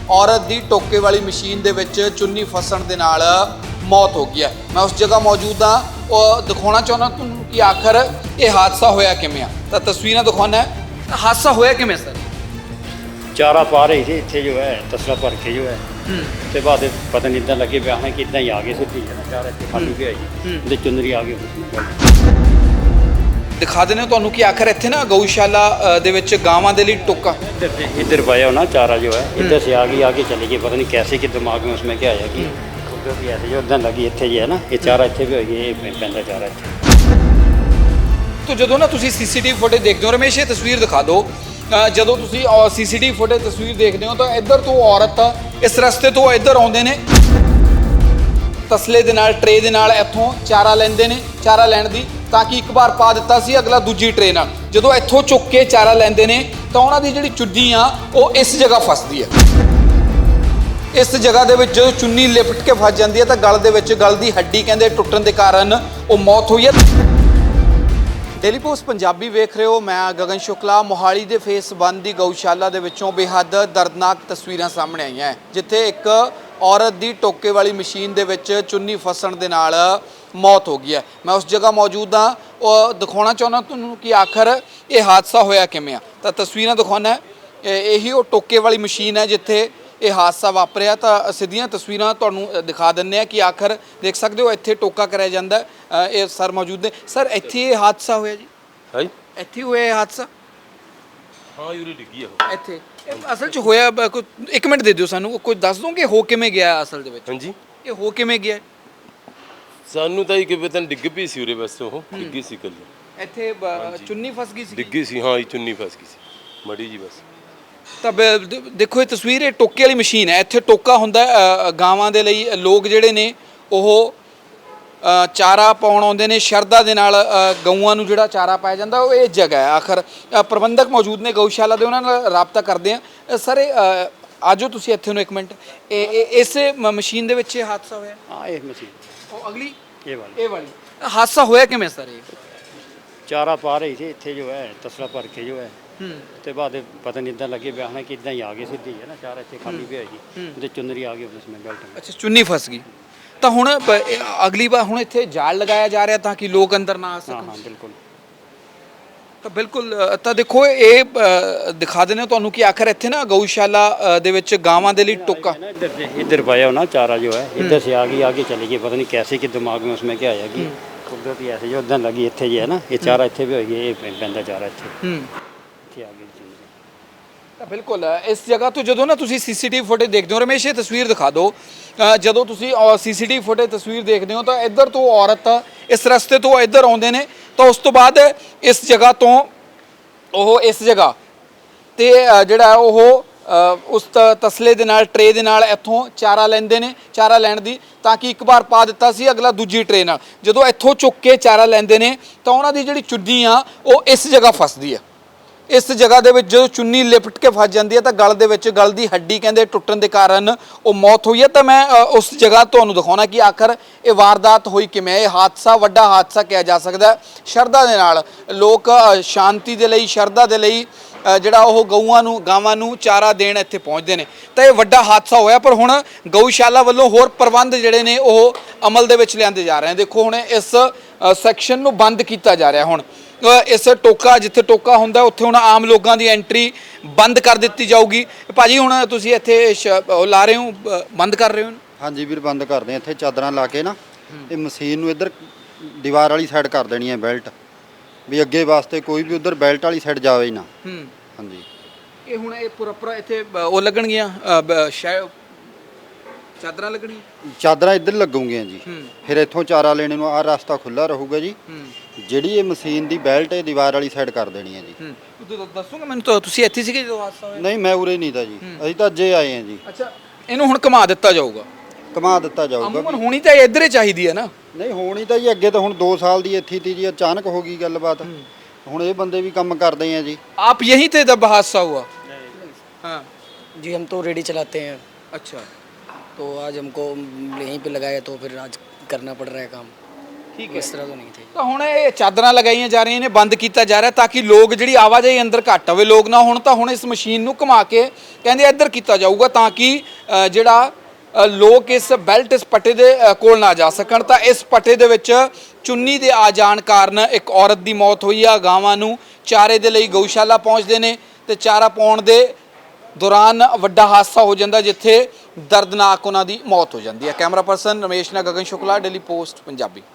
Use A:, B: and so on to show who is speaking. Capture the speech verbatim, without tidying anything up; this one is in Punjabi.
A: औरत की टोके वाली मशीन दे विच चुन्नी फसन दे नाल मौत हो गई है। मैं उस जगह मौजूद हाँ और दिखाना चाहना तुहानूं कि आखिर ये हादसा होया किवें आ। तां तस्वीरां दिखाना है हादसा होया किवें सर।
B: चारा पा रही थी इतने जो है तसला भर के जो है तो बाद पता नहीं इतना लगे पे कि इतना ही आ गए सीधी है चारा इतने खाली पे आई तो चुंदरी आ गई।
A: दिखा देने तुहानूं कि आखिर इत्थे ना गऊशाला दे विच गावां दे लई टोका
B: इधर से इधर पाया ना चारा जो है इधर से आगे आगे चली गई पता नहीं कैसे कि दिमाग में उसमें क्या आया कि क्योंकि ऐसे जो उधर लगी इतने जो है ना ये चारा इतने भी होगी ये पैंदा चारा इतने।
A: तो जदों ना तुसीं सीसीटीवी फुटेज देखदे हो रमेश ये तस्वीर दिखा दो ਜਦੋਂ ਤੁਸੀਂ ਸੀਸੀਟੀਵੀ ਫੁਟੇਜ ਤਸਵੀਰ ਦੇਖਦੇ ਹੋ ਤਾਂ ਇੱਧਰ ਤੋਂ ਔਰਤ ਇਸ ਰਸਤੇ ਤੋਂ ਇੱਧਰ ਆਉਂਦੇ ਨੇ ਤਸਲੇ ਦੇ ਨਾਲ ਟਰੇ ਦੇ ਨਾਲ ਇੱਥੋਂ ਚਾਰਾ ਲੈਂਦੇ ਨੇ ਚਾਰਾ ਲੈਣ ਦੀ ਤਾਂ ਕਿ ਇੱਕ ਵਾਰ ਪਾ ਦਿੱਤਾ ਸੀ ਅਗਲਾ ਦੂਜੀ ਟਰੇ ਨਾਲ ਜਦੋਂ ਇੱਥੋਂ ਚੁੱਕ ਕੇ ਚਾਰਾ ਲੈਂਦੇ ਨੇ ਤਾਂ ਉਹਨਾਂ ਦੀ ਜਿਹੜੀ ਚੁੰਨੀ ਆ ਉਹ ਇਸ ਜਗ੍ਹਾ ਫਸਦੀ ਹੈ। ਇਸ ਜਗ੍ਹਾ ਦੇ ਵਿੱਚ ਜਦੋਂ ਚੁੰਨੀ ਲਿਪਟ ਕੇ ਫਸ ਜਾਂਦੀ ਹੈ ਤਾਂ ਗਲ ਦੇ ਵਿੱਚ ਗਲ ਦੀ ਹੱਡੀ ਕਹਿੰਦੇ ਟੁੱਟਣ ਦੇ ਕਾਰਨ ਉਹ ਮੌਤ ਹੋਈ ਹੈ। डेली पोस्ट पंजाबी वेख रहे हो मैं गगन शुक्ला। मोहाली के फेस वन की गऊशाला के विचों बेहद दर्दनाक तस्वीरां सामने आई हैं जिथे एक औरत की टोके वाली मशीन के विच चुन्नी फसन के नाल मौत हो गई है। मैं उस जगह मौजूद हाँ और दिखाना चाहना तुहानूं कि आखिर ये हादसा होया किवें आ। तां तस्वीरां दिखाना है यही वो टोके वाली मशीन है जिथे ये हादसा वापरिया। तो सीधियां तस्वीरां तुहानूं दिखा दिंदे आ कि आखिर देख सकते हो इत्थे टोका कराया जांदा है। ये सर मौजूद ने सर इत्थे ये हादसा होया जी
C: है
A: इत्थे होया ये हादसा
C: हाँ यूरी डिग्गी है
A: इत्थे असल च होया कोई एक मिनट दे दिओ सानूं कोई दस दो कि हो किवें गया असल दे विच
C: हाँ जी
A: ये हो किवें गया
C: सानू तो कि पता डिग पी सी उरे बस वो डिग्गी सी कल
A: इत्थे चुन्नी फस गई सी
C: डिग्गी सी हाँ ये चुन्नी फस गई सी मड़ी जी बस।
A: ਤਾਂ ਦੇਖੋ ਇਹ ਤਸਵੀਰ ਇਹ ਟੋਕੇ ਵਾਲੀ ਮਸ਼ੀਨ ਹੈ। ਇੱਥੇ ਟੋਕਾ ਹੁੰਦਾ ਗਾਵਾਂ ਦੇ ਲਈ ਲੋਕ ਜਿਹੜੇ ਨੇ ਉਹ ਚਾਰਾ ਪਾਉਣ ਆਉਂਦੇ ਨੇ ਸ਼ਰਧਾ ਦੇ ਨਾਲ ਗਊਆਂ ਨੂੰ ਜਿਹੜਾ ਚਾਰਾ ਪਾਇਆ ਜਾਂਦਾ ਉਹ ਇਹ ਜਗ੍ਹਾ ਹੈ। ਆਖਰ ਪ੍ਰਬੰਧਕ ਮੌਜੂਦ ਨੇ ਗਊਸ਼ਾਲਾ ਦੇ ਉਹਨਾਂ ਨਾਲ ਰਾਬਤਾ ਕਰਦੇ ਆ। ਸਰ ਆਜੋ ਤੁਸੀਂ ਇੱਥੇ ਨੂੰ ਇੱਕ ਮਿੰਟ ਇਹ ਇਸੇ ਮਸ਼ੀਨ ਦੇ ਵਿੱਚ ਇਹ ਹਾਦਸਾ ਹੋਇਆ।
B: हाँ एक मशीन
A: ਉਹ ਅਗਲੀ
B: ये वाली
A: ਇਹ ਵਾਲੀ ਹਾਦਸਾ ਹੋਇਆ ਕਿਵੇਂ ਸਰ ਇਹ
B: चारा पा रही थी इतने जो है तसला भर के जो है तो बाद पता नहीं इतना लगे पे कि इतना ही आ गए सीधी है ना चारा इतने खाली पे आई तो चुंदरी आ गई उसमें बेल्ट में।
A: ਅੱਛਾ ਚੁੰਨੀ ਫਸ ਗਈ ਤਾਂ ਹੁਣ ਬ- ਇਹ ਅਗਲੀ ਵਾਰ ਹੁਣ ਇੱਥੇ ਜਾਲ ਲਗਾਇਆ ਜਾ ਰਿਹਾ ਤਾਂ ਕਿ ਲੋਕ ਅੰਦਰ ਨਾ ਆ
B: हाँ
A: ਸਕਣ।
B: हाँ बिल्कुल
A: ਤਾਂ ਬਿਲਕੁਲ ਅ, ਤਾਂ ਦੇਖੋ ਇਹ ਅ, ਦਿਖਾ ਦਿੰਦੇ ਤੁਹਾਨੂੰ ਕਿ ਆਖਰ ਇੱਥੇ ਨਾ ਗਊਸ਼ਾਲਾ ਅ, ਦੇ ਵਿੱਚ ਗਾਵਾਂ ਦੇ ਲਈ ਟੋਕਾ
B: इधर से इधर पाया ना चारा जो है इधर से आगे आगे चली गई पता नहीं कैसे कि दिमाग में उसमें क्या आया कि कुदरती ऐसे जो उधर लगी इतने जो है ना ये चारा इतने भी होगी ये पैंदा चारा इतने
A: ਹੂੰ
B: इतने आ गई चुंदरी।
A: ਤਾਂ ਬਿਲਕੁਲ ਇਸ ਜਗ੍ਹਾ ਤੋਂ ਜਦੋਂ ਨਾ ਤੁਸੀਂ ਸੀਸੀਟੀਵੀ ਫੁਟੇਜ ਦੇਖਦੇ ਹੋ ਰਮੇਸ਼ ਇਹ ਤਸਵੀਰ ਦਿਖਾ ਦਿਓ ਅ, ਜਦੋਂ ਤੁਸੀਂ ਸੀਸੀਟੀਵੀ ਫੁਟੇਜ ਤਸਵੀਰ ਦੇਖਦੇ ਹੋ ਤਾਂ ਇੱਧਰ ਤੋਂ ਔਰਤ ਇਸ ਰਸਤੇ ਤੋਂ ਇੱਧਰ ਆਉਂਦੇ ਨੇ ਤਾਂ ਉਸ ਤੋਂ ਬਾਅਦ ਇਸ ਜਗ੍ਹਾ ਤੋਂ ਉਹ ਇਸ ਜਗ੍ਹਾ ਤੇ ਅ, ਜਿਹੜਾ ਉਹ ਅ, ਉਸ ਤ- ਤਸਲੇ ਦੇ ਨਾਲ ਟਰੇ ਦੇ ਨਾਲ ਇੱਥੋਂ ਚਾਰਾ ਲੈਂਦੇ ਨੇ ਚਾਰਾ ਲੈਣ ਦੀ ਤਾਂ ਕਿ ਇੱਕ ਵਾਰ ਪਾ ਦਿੱਤਾ ਸੀ ਅਗਲਾ ਦੂਜੀ ਟਰੇ ਨਾਲ ਜਦੋਂ ਇੱਥੋਂ ਚੁੱਕ ਕੇ ਚਾਰਾ ਲੈਂਦੇ ਨੇ ਤਾਂ ਉਹਨਾਂ ਦੀ ਜਿਹੜੀ ਚੁੰਨੀ ਆ ਉਹ ਇਸ ਜਗ੍ਹਾ ਫਸਦੀ ਹੈ। ਇਸ ਜਗ੍ਹਾ ਦੇ ਵਿੱਚ ਜਦੋਂ ਚੁੰਨੀ ਲਿਪਟ ਕੇ ਫਸ ਜਾਂਦੀ ਹੈ ਤਾਂ ਗਲ ਦੇ ਵਿੱਚ ਗਲ ਦੀ ਹੱਡੀ ਕਹਿੰਦੇ ਟੁੱਟਣ ਦੇ ਕਾਰਨ ਉਹ ਮੌਤ ਹੋਈ ਹੈ। ਤਾਂ ਮੈਂ ਅ, ਉਸ ਜਗ੍ਹਾ ਤੁਹਾਨੂੰ ਦਿਖਾਉਣਾ ਕਿ ਆਖਰ ਇਹ ਵਾਰਦਾਤ ਹੋਈ ਕਿਵੇਂ। ਇਹ ਹਾਦਸਾ ਵੱਡਾ ਹਾਦਸਾ ਕਿਹਾ ਜਾ ਸਕਦਾ ਹੈ। ਸ਼ਰਧਾ ਦੇ ਨਾਲ ਲੋਕ ਅ, ਸ਼ਾਂਤੀ ਦੇ ਲਈ ਸ਼ਰਧਾ ਦੇ ਲਈ ਅ, ਜਿਹੜਾ ਉਹ ਗਊਆਂ ਨੂੰ ਗਾਵਾਂ ਨੂੰ ਚਾਰਾ ਦੇਣ ਇੱਥੇ ਪਹੁੰਚਦੇ ਨੇ ਤਾਂ ਇਹ ਵੱਡਾ ਹਾਦਸਾ ਹੋਇਆ। ਪਰ ਹੁਣ ਗਊਸ਼ਾਲਾ ਵੱਲੋਂ ਹੋਰ ਪ੍ਰਬੰਧ ਜਿਹੜੇ ਨੇ ਉਹ ਅਮਲ ਦੇ ਵਿੱਚ ਲਿਆਂਦੇ ਜਾ ਰਹੇ ਨੇ। ਦੇਖੋ ਹੁਣ ਇਸ ਸੈਕਸ਼ਨ ਨੂੰ ਬੰਦ ਕੀਤਾ ਜਾ ਰਿਹਾ। ਹੁਣ ਇਸ ਟੋਕਾ ਜਿੱਥੇ ਟੋਕਾ ਹੁੰਦਾ ਉੱਥੇ ਹੁਣ ਆਮ ਲੋਕਾਂ ਦੀ ਐਂਟਰੀ ਬੰਦ ਕਰ ਦਿੱਤੀ ਜਾਊਗੀ। ਭਾਜੀ ਹੁਣ ਤੁਸੀਂ ਇੱਥੇ ਸ਼- ਉਹ ਲਾ ਰਹੇ ਹੋ ਬ- ਬੰਦ ਕਰ ਰਹੇ ਹੋ?
D: ਹਾਂਜੀ ਵੀਰ ਬੰਦ ਕਰਦੇ ਆ ਇੱਥੇ ਚਾਦਰਾਂ ਲਾ ਕੇ ਨਾ ਇਹ ਮਸ਼ੀਨ ਨੂੰ ਇੱਧਰ ਦੀਵਾਰ ਵਾਲੀ ਸਾਈਡ ਕਰ ਦੇਣੀ ਹੈ ਬੈਲਟ ਵੀ ਅੱਗੇ ਵਾਸਤੇ ਕੋਈ ਵੀ ਉਧਰ ਬੈਲਟ ਵਾਲੀ ਸਾਈਡ ਜਾਵੇ ਹੀ ਨਾ।
A: ਹੂੰ
D: ਹਾਂਜੀ
A: ਇਹ ਹੁਣ ਇਹ ਪੂਰਾ ਪੂਰਾ ਇੱਥੇ ਬ- ਉਹ ਲੱਗਣਗੀਆਂ ਅ, ਬ- ਸ਼ਾਇਦ ਚਾਦਰਾਂ ਲੱਗਣਗੀਆਂ।
D: ਚਾਦਰਾਂ ਇੱਧਰ ਲੱਗੂਗੀਆਂ ਜੀ
A: ਹੂੰ
D: ਫਿਰ ਇੱਥੋਂ ਚਾਰਾ ਲੈਣੇ ਨੂੰ ਆਹ ਰਸਤਾ ਖੁੱਲਾ ਰਹੂਗਾ ਜੀ।
A: ਹੂੰ
D: ਜਿਹੜੀ ਇਹ ਮਸ਼ੀਨ ਦੀ ਬੈਲਟ ਇਹ ਦੀਵਾਰ ਵਾਲੀ ਸਾਈਡ ਕਰ ਦੇਣੀ ਹੈ ਜੀ।
A: ਹੂੰ ਤੂੰ ਦੱਸੋਗੇ ਮੈਨੂੰ ਤਾਂ ਤੁਸੀਂ ਇੱਥੇ ਸੀਗੇ ਜਦੋਂ ਹਾਦਸਾ ਹੋਇਆ?
D: ਨਹੀਂ ਮੈਂ ਉਰੇ ਨਹੀਂ ਤਾਂ ਜੀ ਅਸੀਂ ਤਾਂ ਅੱਜੇ ਆਏ ਹਾਂ ਜੀ।
A: ਅੱਛਾ ਇਹਨੂੰ ਹੁਣ ਘੁਮਾ ਦਿੱਤਾ ਜਾਊਗਾ।
D: ਘੁਮਾ ਦਿੱਤਾ ਜਾਊਗਾ
A: ਅਮੂਮਨ ਹੋਣੀ ਤਾਂ ਇੱਧਰ ਹੀ ਚਾਹੀਦੀ ਹੈ ਨਾ।
D: ਨਹੀਂ ਹੋਣੀ ਤਾਂ ਜੀ ਅੱਗੇ ਤਾਂ ਹੁਣ ਦੋ ਸਾਲ ਦੀ ਇੱਥੇ ਤੀ ਜੀ ਅਚਾਨਕ ਹੋ ਗਈ ਗੱਲਬਾਤ ਹੁਣ ਇਹ ਬੰਦੇ ਵੀ ਕੰਮ ਕਰਦੇ ਆ ਜੀ।
A: आप यहीं थे जब हादसा हुआ? हाँ
E: जी हम तो रेडी चलाते हैं
A: अच्छा
E: तो आज हमको यहीं पे लगाया तो फिर आज करना पड़ रहा है काम।
A: ਠੀਕ ਹੈ।
E: इस तरह तो नहीं थे।
A: ਤਾਂ ਹੁਣ ਇਹ ਚਾਦਰਾਂ ਲਗਾਈਆਂ ਜਾ ਰਹੀਆਂ ਨੇ, ਬੰਦ ਕੀਤਾ ਜਾ ਰਿਹਾ ਤਾਂ ਕਿ ਲੋਕ ਜਿਹੜੀ ਆਵਾਜਾਈ ਅੰਦਰ ਘੱਟ ਹੋਵੇ, ਲੋਕ ਨਾ ਹੁਣ। ਤਾਂ ਹੁਣ ਇਸ ਮਸ਼ੀਨ ਨੂੰ ਘੁਮਾ ਕੇ ਕਹਿੰਦੇ ਇੱਧਰ ਕੀਤਾ ਜਾਊਗਾ ਤਾਂ ਕਿ ਅ, ਜਿਹੜਾ ਅ, ਲੋਕ ਇਸ ਬੈਲਟ ਇਸ ਪੱਟੇ ਦੇ ਅ, ਕੋਲ ਨਾ ਜਾ ਸਕਣ। ਤਾਂ ਇਸ ਪੱਟੇ ਦੇ ਵਿੱਚ ਚੁੰਨੀ ਦੇ ਆ ਜਾਣ ਕਾਰਨ ਇੱਕ ਔਰਤ ਦੀ ਮੌਤ ਹੋਈ ਆ। ਗਾਵਾਂ ਨੂੰ ਚਾਰੇ ਦੇ ਲਈ ਗਊਸ਼ਾਲਾ ਪਹੁੰਚਦੇ ਨੇ ਤੇ ਚਾਰਾ ਪਾਉਣ ਦੇ ਦੌਰਾਨ ਵੱਡਾ ਹਾਦਸਾ ਹੋ ਜਾਂਦਾ ਜਿੱਥੇ ਦਰਦਨਾਕ ਉਹਨਾਂ ਦੀ ਮੌਤ ਹੋ ਜਾਂਦੀ ਹੈ। ਕੈਮਰਾ ਪਰਸਨ ਰਮੇਸ਼ ਨਾਲ ਗਗਨ ਸ਼ੁਕਲਾ, ਡੇਲੀ ਪੋਸਟ ਪੰਜਾਬੀ।